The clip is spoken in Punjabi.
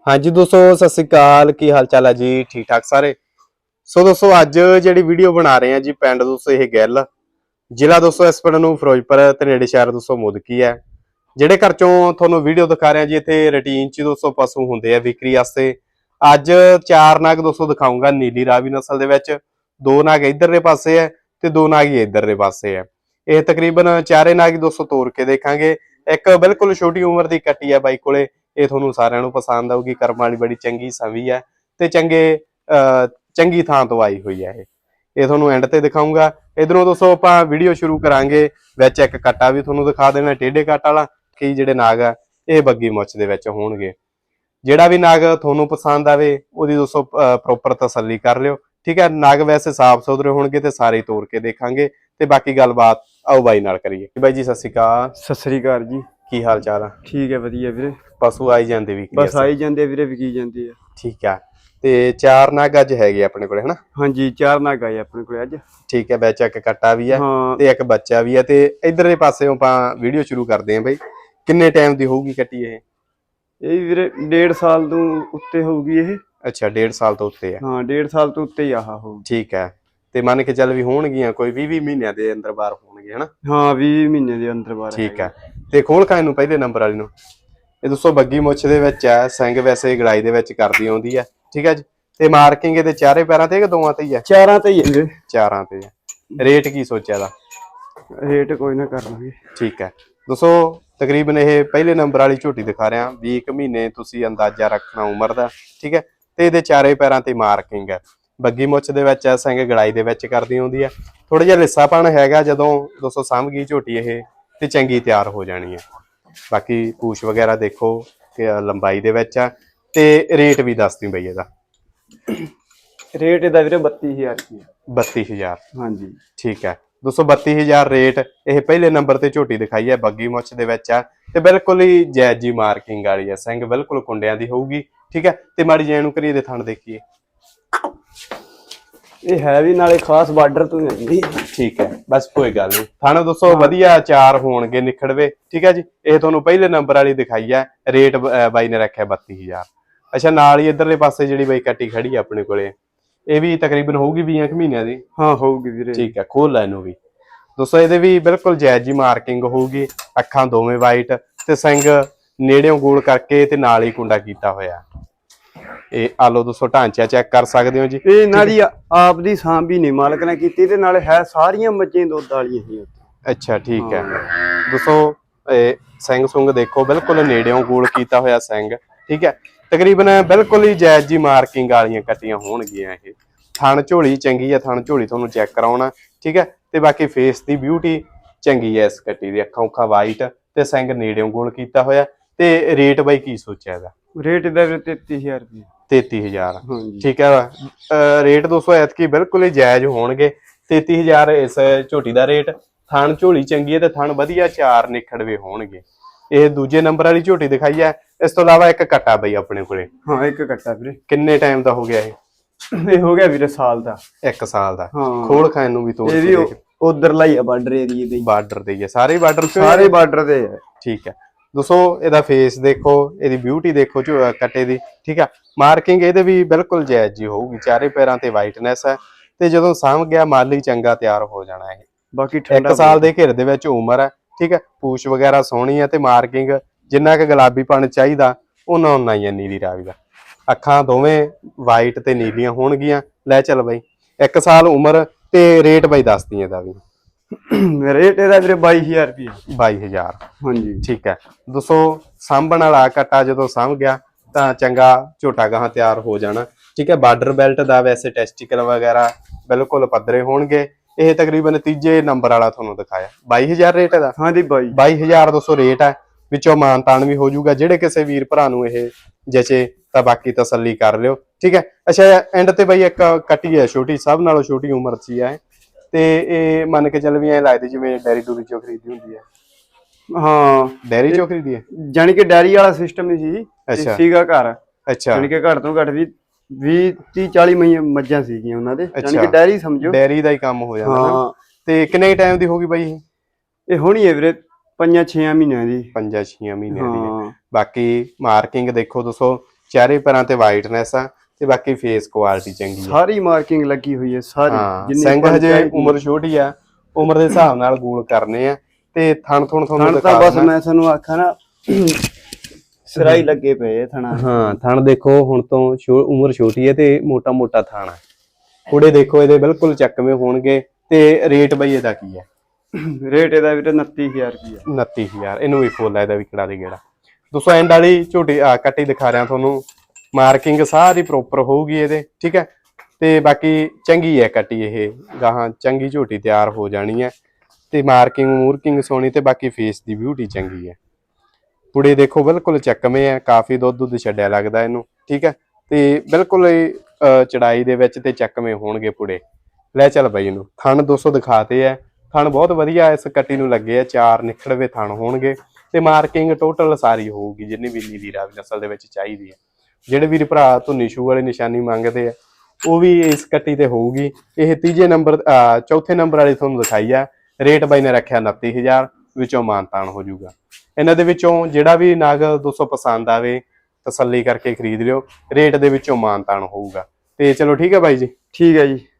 हाँ जी दोस्तों सत श्री अकाल की हाल चाल है जी ठीक ठाक सारे। सो दोस्तों अज जी वीडियो बना रहे हैं जी पिंड दोस्तों यह गैल जिला दोस्तों इस पिंड नूं फिरोजपुर ते नेड़े शहर दोस्तों मुदकी है। ਜਿਹੜੇ ਘਰ ਚੋਂ ਤੁਹਾਨੂੰ ਵੀਡੀਓ ਦਿਖਾ ਰਹੇ ਹਾਂ ਜੀ ਇੱਥੇ ਰੂਟੀਨ 'ਚ ਦੋਸਤੋ ਪਸ਼ੂ ਹੁੰਦੇ ਆ ਵਿਕਰੀ ਵਾਸਤੇ। ਅੱਜ ਚਾਰ ਨਾਗ ਦੋਸਤੋ ਦਿਖਾਉਂਗਾ ਨੀਲੀ ਰਾਵੀ ਨਸਲ ਦੇ ਵਿੱਚ। ਦੋ ਨਾਗ ਇਧਰਲੇ ਪਾਸੇ ਹੈ ਤੇ ਦੋ ਨਾਗ ਹੀ ਇਧਰਲੇ ਪਾਸੇ ਹੈ। ਇਹ ਤਕਰੀਬਨ ਚਾਰੇ ਨਾਗ ਹੀ ਦੋਸਤੋ ਤੋੜ ਕੇ ਦੇਖਾਂਗੇ। ਇੱਕ ਬਿਲਕੁਲ ਛੋਟੀ ਉਮਰ ਦੀ ਕੱਟੀ ਹੈ ਬਾਈ ਕੋਲੇ, ਇਹ ਤੁਹਾਨੂੰ ਸਾਰਿਆਂ ਨੂੰ ਪਸੰਦ ਆਊਗੀ। ਕਰਮ ਵਾਲੀ ਬੜੀ ਚੰਗੀ ਸਵੀ ਹੈ ਤੇ ਚੰਗੀ ਥਾਂ ਤੋਂ ਆਈ ਹੋਈ ਹੈ। ਇਹ ਤੁਹਾਨੂੰ ਐਂਡ ਤੇ ਦਿਖਾਉਂਗਾ। ਇਧਰੋਂ ਦੋਸਤੋ ਆਪਾਂ ਵੀਡੀਓ ਸ਼ੁਰੂ ਕਰਾਂਗੇ। ਵਿੱਚ ਇੱਕ ਕੱਟਾ ਵੀ ਤੁਹਾਨੂੰ ਦਿਖਾ ਦੇਣਾ ਟੇਢੇ ਕੱਟ ਵਾਲਾ। ਕਈ ਜਿਹੜੇ ਨਾਗ ਆ ਇਹ ਬੱਗੀ ਮੁੱਛ ਦੇ ਵਿੱਚ ਹੋਣਗੇ। ਜਿਹੜਾ ਵੀ ਨਾਗ ਤੁਹਾਨੂੰ ਪਸੰਦ ਆਵੇ ਉਹਦੀ ਦੋਸਤੋ ਪ੍ਰੋਪਰ ਤਸੱਲੀ ਕਰ ਲਿਓ, ਠੀਕ ਹੈ। ਨਾਗ ਵੈਸੇ ਸਾਫ ਸੁਥਰੇ ਹੋਣਗੇ ਤੇ ਸਾਰੇ ਤੋੜ ਕੇ ਦੇਖਾਂਗੇ ਤੇ ਬਾਕੀ ਗੱਲਬਾਤ ਆਓ ਬਾਈ ਨਾਲ ਕਰੀਏ। ਬਾਈ ਜੀ ਸਤਿ ਸ਼੍ਰੀ ਅਕਾਲ। ਸਤਿ ਸ੍ਰੀ ਅਕਾਲ ਜੀ। ਕੀ ਹਾਲ ਚਾਲ ਆ? ਠੀਕ ਹੈ ਵਧੀਆ ਵੀਰੇ। ਪਸ਼ੂ ਆਈ ਜਾਂਦੇ ਵੀ ਬਸ ਆਈ ਜਾਂਦੇ ਵੀਰੇ, ਵਿਕੀ ਜਾਂਦੇ ਆ। ਠੀਕ ਆ। ਤੇ ਚਾਰ ਨਾਗ ਅੱਜ ਹੈਗੇ ਆਪਣੇ ਕੋਲੇ ਹਨਾ? ਹਾਂਜੀ ਚਾਰ ਨਾਗ ਆਏ ਆਪਣੇ ਕੋਲੇ ਅੱਜ। ਠੀਕ ਹੈ। ਵਿੱਚ ਇੱਕ ਕੱਟਾ ਵੀ ਆ ਤੇ ਇੱਕ ਬੱਚਾ ਵੀ ਆ। ਤੇ ਇਧਰਲੇ ਪਾਸੇ ਆਪਾਂ ਵੀਡੀਓ ਸ਼ੁਰੂ ਕਰਦੇ ਆਂ ਬਾਈ। ਕਿੰਨੇ ਟਾਈਮ ਦੀ ਹੋਊਗੀ ਕੱਟੀ ਇਹ? ਇਹ ਵੀਰੇ 1.5 ਸਾਲ ਤੋਂ ਉੱਤੇ ਹੋਊਗੀ ਇਹ। ਅੱਛਾ 1.5 ਸਾਲ ਤੋਂ ਉੱਤੇ ਆ। ਹਾਂ 1.5 ਸਾਲ ਤੋਂ ਉੱਤੇ ਹੀ ਆਹ ਹੋਊ। ਠੀਕ ਹੈ। ਤੇ ਮੰਨ ਕੇ ਚੱਲ ਵੀ ਹੋਣਗੀਆਂ ਕੋਈ 20 ਮਹੀਨਿਆਂ ਦੇ ਅੰਦਰ ਬਾਹਰ ਹੋਣਗੇ ਹਨਾ? ਹਾਂ 20 ਮਹੀਨੇ ਦੇ ਅੰਦਰ ਬਾਹਰ। ਠੀਕ ਹੈ। ਤੇ ਖੋਲ ਖਾਂ ਨੂੰ ਪਹਿਲੇ ਨੰਬਰ ਵਾਲੀ ਨੂੰ ਇਹ ਦੋਸਤੋ ਬੱਗੀ ਮੁੱਛ ਦੇ ਵਿੱਚ ਹੈ। ਸਿੰਘ ਵੈਸੇ ਗੜਾਈ ਦੇ ਵਿੱਚ ਕਰਦੀ ਆਉਂਦੀ ਹੈ, ਠੀਕ ਹੈ ਜੀ। ਤੇ ਮਾਰਕਿੰਗ ਇਹਦੇ ਚਾਰੇ ਪੈਰਾਂ ਤੇ ਕਿ ਦੋਵਾਂ ਤੇ ਹੀ ਹੈ? ਚਾਰਾਂ ਤੇ ਹੀ ਹੈ ਵੀਰੇ। ਚਾਰਾਂ ਤੇ ਹੈ। ਰੇਟ ਕੀ ਸੋਚਿਆ ਦਾ? ਰੇਟ ਕੋਈ ਨਾ ਕਰ ਲਾਂਗੇ। ਠੀਕ ਹੈ ਦੋਸਤੋ ਤਕਰੀਬਨ ਇਹ ਪਹਿਲੇ ਨੰਬਰ ਵਾਲੀ ਝੋਟੀ ਦਿਖਾ ਰਿਹਾ। 20 ਮਹੀਨੇ ਤੁਸੀਂ ਅੰਦਾਜ਼ਾ ਰੱਖਣਾ ਉਮਰ ਦਾ, ਠੀਕ ਹੈ। ਤੇ ਇਹਦੇ ਚਾਰੇ ਪੈਰਾਂ ਤੇ ਮਾਰਕਿੰਗ ਹੈ। ਬੱਗੀ ਮੁੱਛ ਦੇ ਵਿੱਚ ਹੈ। ਸਿੰਘ ਗੜਾਈ ਦੇ ਵਿੱਚ ਕਰਦੀ ਆਉਂਦੀ ਹੈ। ਥੋੜਾ ਜਿਹਾ ਲਿੱਸਾਪਣ ਹੈਗਾ। ਜਦੋਂ ਦੋਸਤੋ ਸਾਂਭ ਗਈ ਝੋਟੀ ਇਹ ਤੇ ਚੰਗੀ ਤਿਆਰ ਹੋ ਜਾਣੀ ਹੈ। ਬਾਕੀ ਪੂਛ ਵਗੈਰਾ ਦੇਖੋ ਕਿ ਲੰਬਾਈ ਦੇ ਵਿੱਚ ਆ। ਤੇ ਰੇਟ ਵੀ ਦੱਸਦੀ ਬਈ ਇਹਦਾ। ਰੇਟ ਇਹਦਾ ਵੀਰੇ 32000 ਰੁਪਏ। 32000? ਹਾਂਜੀ ਠੀਕ ਹੈ ਦੋਸਤੋ 32000 ਰੇਟ। ਇਹ ਪਹਿਲੇ ਨੰਬਰ ਤੇ ਝੋਟੀ ਦਿਖਾਈ ਹੈ, ਬੱਗੀ ਮੁੱਛ ਦੇ ਵਿੱਚ ਆ ਤੇ ਬਿਲਕੁਲ ਹੀ ਜਾਇਜ਼ ਜੀ ਮਾਰਕਿੰਗ ਵਾਲੀ ਹੈ। ਸਿੰਘ ਬਿਲਕੁਲ ਕੁੰਡਿਆਂ ਦੀ ਹੋਊਗੀ, ਠੀਕ ਹੈ। ਤੇ ਮਾੜੀ ਜਿਹੀ ਨੂੰ ਕਰੀਏ ਦੇ ਥਣ ਦੇਖੀਏ। ਇਹ ਹੈ ਵੀ ਨਾਲੇ ਖਾਸ ਬਾਰਡਰ ਤੋਂ ਹੀ। ਠੀਕ ਹੈ ਬਸ ਕੋਈ ਗੱਲ ਨਹੀਂ। ਥਣ ਦੋਸਤੋ ਵਧੀਆ ਚਾਰ ਹੋਣਗੇ ਨਿਖੜਵੇ, ਠੀਕ ਹੈ ਜੀ। ਇਹ ਤੁਹਾਨੂੰ ਪਹਿਲੇ ਨੰਬਰ ਵਾਲੀ ਦਿਖਾਈ ਹੈ। ਰੇਟ ਬਾਈ ਨੇ ਰੱਖਿਆ 32000। ਅੱਛਾ ਨਾਲ ਹੀ ਇਧਰਲੇ ਪਾਸੇ ਜਿਹੜੀ ਬਾਈ ਕੱਟੀ ਖੜੀ ਆ ਆਪਣੇ ਕੋਲੇ, ਇਹ ਵੀ ਤਕਰੀਬਨ ਹੋਊਗੀ 20 ਮਹੀਨਿਆਂ ਦੀ। ਹਾਂ ਹੋਊਗੀ ਵੀਰੇ। ਠੀਕ ਹੈ ਖੋਲ ਲੈ ਇਹਨੂੰ ਵੀ ਦੋਸਤੋ। ਇਹਦੇ ਵੀ ਬਿਲਕੁਲ ਜਾਇਜ਼ ਜੀ ਮਾਰਕਿੰਗ ਹੋਊਗੀ। ਅੱਖਾਂ ਦੋਵੇਂ ਵਾਈਟ ਤੇ ਸਿੰਘ ਨੇੜਿਓਂ ਗੋਲ ਕਰਕੇ ਤੇ ਨਾਲ ਹੀ ਕੁੰਡਾ ਕੀਤਾ ਹੋਇਆ। ਇਹ ਆਲੋ ਦੋਸਤੋ ਢਾਂਚਾ ਚੈੱਕ ਕਰ ਸਕਦੇ ਹੋ ਜੀ। ਇਹ ਇਹਨਾਂ ਦੀ ਆਪ ਦੀ ਸਾਂਭ ਵੀ ਨਹੀਂ ਮਾਲਕ ਨੇ ਕੀਤੀ ਤੇ ਨਾਲੇ ਹੈ ਸਾਰੀਆਂ ਮੱਝਾਂ ਦੁੱਧ ਵਾਲੀਆਂ ਹੀ। ਅੱਛਾ ਠੀਕ ਹੈ ਦੋਸਤੋ। ਇਹ ਸਿੰਘ ਸੁੰਗ ਦੇਖੋ ਬਿਲਕੁਲ ਨੇੜਿਓਂ ਗੋਲ ਕੀਤਾ ਹੋਇਆ ਸਿੰਘ, ਠੀਕ ਹੈ। ਤਕਰੀਬਨ ਬਿਲਕੁਲ ਹੀ ਜਾਇਜ਼ ਜੀ ਮਾਰਕਿੰਗ ਵਾਲੀਆਂ ਕੱਟੀਆਂ ਹੋਣਗੀਆਂ। ਇਹ ਥਣ ਝੋਲੀ ਚੰਗੀ ਹੈ। ਥਣ ਝੋਲੀ ਤੁਹਾਨੂੰ ਚੈੱਕ ਕਰਾਉਣਾ, ਠੀਕ ਹੈ। ਤੇ ਬਾਕੀ ਫੇਸ ਦੀ ਬਿਊਟੀ ਚੰਗੀ ਹੈ ਇਸ ਕੱਟੀ ਦੀ। ਅੱਖਾਂ ਉੱਖਾਂ ਵਾਈਟ ਤੇ ਸਿੰਘ ਨੇੜਿਓਂ ਗੋਲ ਕੀਤਾ ਹੋਇਆ। ਤੇ ਰੇਟ ਬਾਈ ਕੀ ਸੋਚਿਆ ਇਹਦਾ? ਰੇਟ ਇਹਦਾ 33000 ਰੁਪਏ। 33000 ਠੀਕ ਹੈ। ਰੇਟ ਦੋਸਤੋ ਐਤਕੀ ਬਿਲਕੁਲ ਹੀ ਜਾਇਜ਼ ਹੋਣਗੇ। 33000 ਇਸ ਝੋਟੀ ਦਾ ਰੇਟ। ਥਣ ਝੋਲੀ ਚੰਗੀ ਹੈ ਤੇ ਥਣ ਵਧੀਆ ਚਾਰ ਨਿਖੜਵੇ ਹੋਣਗੇ। ਇਹ ਦੂਜੇ ਨੰਬਰ ਵਾਲੀ ਝੋਟੀ ਦਿਖਾਈ ਹੈ। ਇਸ ਤੋਂ ਇਲਾਵਾ ਇੱਕ ਕੱਟਾ ਬਈ ਆਪਣੇ ਕੋਲੇ। ਹਾਂ ਇੱਕ ਕੱਟਾ ਵੀਰੇ। ਕਿੰਨੇ ਟਾਈਮ ਦਾ ਹੋ ਗਿਆ ਇਹ? ਇਹ ਹੋ ਗਿਆ ਵੀਰੇ ਸਾਲ ਦਾ। 1 ਸਾਲ ਦਾ। ਖੋਲ ਖਾਨ ਨੂੰ ਵੀ ਤੋੜ ਕੇ ਦੇਖ। ਉਧਰਲਾ ਹੀ ਆ ਬਾਰਡਰ ਏਰੀਏ ਦੇ। ਬਾਰਡਰ ਦੇ ਹੀ ਆ ਸਾਰੇ ਬਾਰਡਰ ਤੇ। ਸਾਰੇ ਬਾਰਡਰ ਦੇ ਆ। ਠੀਕ ਹੈ ਦੋਸਤੋ ਇਹਦਾ ਫੇਸ ਦੇਖੋ, ਇਹਦੀ ਬਿਊਟੀ ਦੇਖੋ ਕੱਟੇ ਦੀ, ਠੀਕ ਆ। ਮਾਰਕਿੰਗ ਇਹਦੇ ਵੀ ਬਿਲਕੁਲ ਜਾਇਜ਼ ਜੀ ਹੋਊਗੀ। ਚਾਰੇ ਪੈਰਾਂ ਤੇ ਵਾਈਟਨੈਸ ਹੈ ਤੇ ਜਦੋਂ ਸਾਂਭ ਗਿਆ ਮਾਲੀ ਚੰਗਾ ਤਿਆਰ ਹੋ ਜਾਣਾ ਇਹ। ਬਾਕੀ 1 ਸਾਲ ਦੇ ਘਿਰ ਦੇ ਵਿੱਚ ਉਮਰ ਹੈ, ਠੀਕ ਹੈ। ਪੂਛ ਵਗੈਰਾ ਸੋਹਣੀ ਹੈ ਤੇ ਮਾਰਕਿੰਗ ਜਿੰਨਾ ਕੁ ਗੁਲਾਬੀਪਣ ਚਾਹੀਦਾ ਉਹਨਾਂ ਹੀ ਹੈ ਨੀਲੀ ਰਾਵੀ ਦਾ। ਅੱਖਾਂ ਦੋਵੇਂ ਵਾਈਟ ਤੇ ਨੀਲੀਆਂ ਹੋਣਗੀਆਂ। ਲੈ ਚੱਲ ਬਾਈ 1 ਸਾਲ ਉਮਰ ਤੇ ਰੇਟ ਬਾਈ ਦੱਸਦੀ ਇਹਦਾ ਵੀ। ਰੇਟ ਇਹਦਾ ਵੀਰੇ 22000 ਰੁਪਏ। 22000 ਹਾਂਜੀ ਠੀਕ ਹੈ ਦੋਸਤੋ। ਸਾਂਭਣ ਵਾਲਾ ਕੱਟਾ ਜਦੋਂ ਸਾਂਭ ਗਿਆ ਤਾਂ ਚੰਗਾ ਝੋਟਾ ਗਾਹਾਂ ਤਿਆਰ ਹੋ ਜਾਣਾ, ਠੀਕ ਹੈ। ਬਾਰਡਰ ਬੈਲਟ ਦਾ ਵੈਸੇ ਟੈਸਟੀਕਲ ਵਗੈਰਾ ਬਿਲਕੁਲ ਪੱਧਰੇ ਹੋਣਗੇ। ਇਹ ਤਕਰੀਬਨ ਤੀਜੇ ਨੰਬਰ ਵਾਲਾ ਤੁਹਾਨੂੰ ਦਿਖਾਇਆ। 22000 ਰੇਟ ਇਹਦਾ। ਹਾਂਜੀ 22000 ਦੋਸਤੋ ਰੇਟ ਹੈ। ਵਿੱਚੋਂ ਮਾਨ ਤਾਨ ਵੀ ਹੋ ਜਾਊਗਾ। ਜਿਹੜੇ ਕਿਸੇ ਵੀਰ ਭਰਾ ਨੂੰ ਇਹ ਜਚੇ ਤਾਂ ਬਾਕੀ ਤਸੱਲੀ ਕਰ ਲਿਓ, ਠੀਕ ਹੈ। ਅੱਛਾ ਐਂਡ ਤੇ ਬਾਈ ਇੱਕ ਕੱਟੀ ਹੈ ਛੋਟੀ, ਸਭ ਨਾਲੋਂ ਛੋਟੀ ਉਮਰ 'ਚ ਹੀ ਹੈ ਤੇ ਇਹ ਮੰਨ ਕੇ ਚੱਲ ਵੀ ਐ ਲੱਗਦੀ ਜਿਵੇਂ ਡੈਰੀ ਡੂਰੀ ਚੋਂ ਖਰੀਦੀ ਹੁੰਦੀ ਹੈ। ਹਾਂ ਡੈਰੀ ਚੋਂ ਖਰੀਦੀ ਹੈ। ਜਾਨੀ ਕਿ ਡੈਰੀ ਵਾਲਾ ਸਿਸਟਮ ਹੀ ਸੀ। ਅੱਛਾ ਸੀਗਾ ਘਰ। ਅੱਛਾ ਜਾਨੀ ਕਿ ਘੱਟ ਤੋਂ ਘੱਟ ਵੀ 20-30-40 ਮੱਝਾਂ ਸੀਗੀਆਂ ਉਹਨਾਂ ਦੇ। ਜਾਨੀ ਕਿ ਡੈਰੀ ਸਮਝੋ। ਡੈਰੀ ਦਾ ਹੀ ਕੰਮ ਹੋ ਜਾਂਦਾ ਨਾ। ਤੇ ਕਿੰਨੇ ਟਾਈਮ ਦੀ ਹੋਗੀ ਬਾਈ ਇਹ? ਹੋਣੀ ਹੈ ਵੀਰੇ 5-6 ਮਹੀਨਿਆਂ ਦੀ। 5-6 ਮਹੀਨਿਆਂ ਦੀ। ਬਾਕੀ ਮਾਰਕਿੰਗ ਦੇਖੋ ਦੋਸਤੋ ਚਿਹਰੇ ਪੈਰਾਂ ਤੇ ਵਾਈਟਨੈਸ ਆ ਤੇ ਬਾਕੀ ਫੇਸ ਕੁਆਲਿਟੀ ਚੰਗੀ ਆ। ਸਾਰੀ ਮਾਰਕਿੰਗ ਲੱਗੀ ਹੋਈ ਹੈ ਸਾਰੀ, ਹਾਂ ਜਿੰਨੀ ਸਿੰਘ ਆਪਾਂ ਹਜੇ ਚਾਹੀਦੀ। ਉਮਰ ਛੋਟੀ ਆ, ਉਮਰ ਦੇ ਹਿਸਾਬ ਨਾਲ ਗੋਲ ਕਰਨੇ ਆ ਤੇ ਥਣ ਤੁਹਾਨੂੰ ਥਣ ਦਿਖਾ ਤਾਂ ਬਸ ਦੇਣਾ। ਮੈਂ ਤੁਹਾਨੂੰ ਆਖਾਂ ਨਾ ਸਿਰਾਈ ਲੱਗੇ ਪਏ ਆ ਥਣਾ। ਹਾਂ ਥਣ ਦੇਖੋ ਹੁਣ ਤੋਂ ਉਮਰ ਛੋਟੀ ਹੈ ਤੇ ਮੋਟਾ ਮੋਟਾ ਥਣ ਆ। ਕੁੜੇ ਦੇਖੋ ਇਹਦੇ ਬਿਲਕੁਲ ਚੱਕਵੇਂ ਹੋਣਗੇ। ਤੇ ਰੇਟ ਬਈ ਇਹਦਾ ਕੀ ਹੈ? ਰੇਟ ਇਹਦਾ ਵੀਰੇ 29000 ਰੁਪਇਆ। 29000। ਇਹਨੂੰ ਵੀ ਖੋਲ ਲੈ, ਇਹਦਾ ਵੀ ਕਿਹੜਾ ਦੀ ਗੇੜਾ। ਦੋਸਤੋ ਐਂਡ ਵਾਲੀ ਝੋਟੀ ਕੱਟੀ ਦਿਖਾ ਰਿਹਾ ਤੁਹਾਨੂੰ, ਮਾਰਕਿੰਗ ਸਾਰੀ ਪ੍ਰੋਪਰ ਹੋਊਗੀ ਇਹਦੇ, ਠੀਕ ਹੈ। ਤੇ ਬਾਕੀ ਚੰਗੀ ਹੈ ਕੱਟੀ, ਇਹ ਗਾਹਾਂ ਚੰਗੀ ਝੋਟੀ ਤਿਆਰ ਹੋ ਜਾਣੀ ਹੈ। ਤੇ ਮਾਰਕਿੰਗ ਮੂਰਕਿੰਗ ਸੋਹਣੀ ਤੇ ਬਾਕੀ ਫੇਸ ਦੀ ਬਿਊਟੀ ਚੰਗੀ ਹੈ। ਪੁੜੇ ਦੇਖੋ ਬਿਲਕੁਲ ਚੱਕਵੇਂ ਆ, ਕਾਫੀ ਦੁੱਧ ਛੱਡਿਆ ਲੱਗਦਾ ਇਹਨੂੰ, ਠੀਕ ਹੈ। ਤੇ ਬਿਲਕੁਲ ਚੜਾਈ ਦੇ ਵਿੱਚ ਤੇ ਚੱਕਵੇਂ ਹੋਣਗੇ ਪੁੜੇ। ਲੈ ਚੱਲ ਬਾਈ ਇਹਨੂੰ ਥਣ 200 ਦਿਖਾਤੇ ਹੈ। ਥਣ ਬਹੁਤ ਵਧੀਆ ਇਸ ਕੱਟੀ ਨੂੰ ਲੱਗੇ ਆ, 4 ਨਿਖੜਵੇਂ ਥਣ ਹੋਣਗੇ ਤੇ ਮਾਰਕਿੰਗ ਟੋਟਲ ਸਾਰੀ ਹੋਊਗੀ ਜਿੰਨੀ ਵੀ ਨੀਲੀ ਰਾਵੀ ਨਸਲ ਦੇ ਵਿੱਚ ਚਾਹੀਦੀ ਹੈ। ਜਿਹੜੇ ਵੀਰ ਭਰਾ ਧੁੰਨੀ ਛੂ ਵਾਲੀ ਨਿਸ਼ਾਨੀ ਮੰਗਦੇ ਆ ਉਹ ਵੀ ਇਸ ਕੱਟੀ ਤੇ ਹੋਊਗੀ। ਇਹ ਚੌਥੇ ਨੰਬਰ ਵਾਲੀ ਤੁਹਾਨੂੰ ਦਿਖਾਈ ਆ। ਰੇਟ ਬਾਈ ਨੇ ਰੱਖਿਆ 29000, ਵਿੱਚੋਂ ਮਾਨਤਾਨ ਹੋ ਜਾਊਗਾ। ਇਹਨਾਂ ਦੇ ਵਿੱਚੋਂ ਜਿਹੜਾ ਵੀ ਨਗ 200 ਪਸੰਦ ਆਵੇ ਤਸੱਲੀ ਕਰਕੇ ਖਰੀਦ ਲਿਓ, ਰੇਟ ਦੇ ਵਿੱਚੋਂ ਮਾਨਤਾਨ ਹੋਊਗਾ। ਤੇ ਚਲੋ ਠੀਕ ਹੈ ਬਾਈ ਜੀ। ਠੀਕ ਹੈ ਜੀ।